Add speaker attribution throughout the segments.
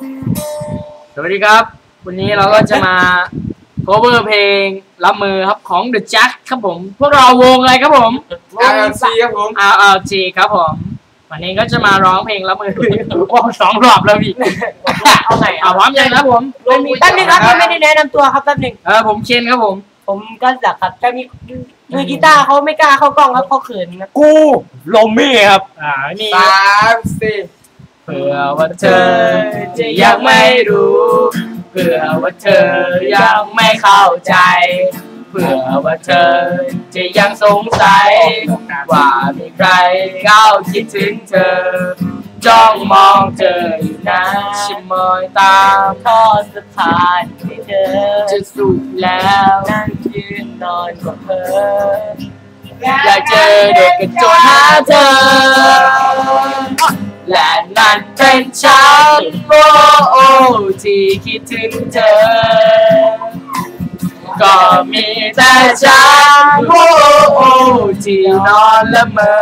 Speaker 1: สวัสดีครับวันนี้เราก็จะมา cover เพลงรับมือครับของ The Jack ครับผมพวกเราวงอะไรครับผม
Speaker 2: RLC ครับผม
Speaker 1: RLG ครับผมวันนี้ก็จะมาร้องเพลงรับมือวง2 รอบแล้วพี่เอาไหนพร้อมยังครับผม
Speaker 3: แป๊บนึงครับยังไม่ได้แนะนำตัวครับแป๊บนึง
Speaker 1: ผมเคนครับผม
Speaker 3: ผมก็จักครับจะมีมือกีตาร์เขาไม่กล้าเข้ากล้องครับเขาเขินครับ
Speaker 2: กูลมมี่ครับ
Speaker 1: นี่
Speaker 2: 3 4
Speaker 1: เผื่อว่าเธอจะยังไม่รู้เผื่อว่าเธอยังไม่เข้าใจเผื่อว่าเธอจะยังสงสัยว่ามีใครก้าวคิดถึงเธอจ้องมองเธออยู่นะชิมอยตามข้อสะพานที่เธอจะสุดแล้วนั่งยืนนอนกับเธออยากเจอเด็กกระโจนหาเธอและนั่นเป็นฉันโอ้ที่คิดถึงเธอก็มีแต่ฉันโอ้ที่นอนละเมอ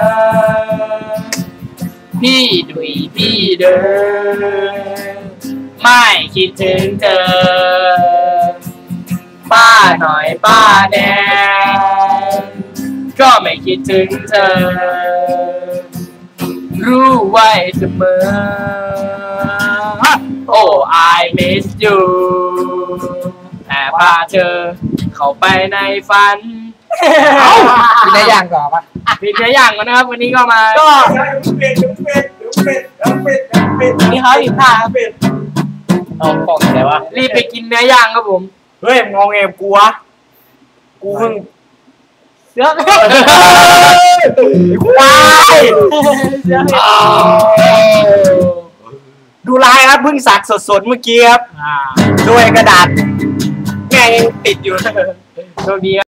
Speaker 1: พี่ดุยพี่เดินไม่คิดถึงเธอป้าหน่อยป้าแดงก็ไม่คิดถึงเธอรู้ไว้เสมอ Oh I miss you แต่พาเธอเข้าไปในฝัน
Speaker 2: มีได้อย่างก่อนปะ
Speaker 1: มีเนื้อย่างกันนะครับวันนี้ก็มา
Speaker 3: ก็
Speaker 2: เป็ด
Speaker 3: มีเขาอีกท่าครับ
Speaker 2: เอากล่องไหนวะ
Speaker 1: รีบไปกินเนื้อย่างครับผม
Speaker 2: เฮ้ยมองเอมกูวะกูเพิ่ง
Speaker 3: เสือ
Speaker 2: ควายดูลายครับเพิ่งสักสดๆเมื่อกี้ครับด้วยกระดาษแม่งติดอยู่
Speaker 1: โชคดี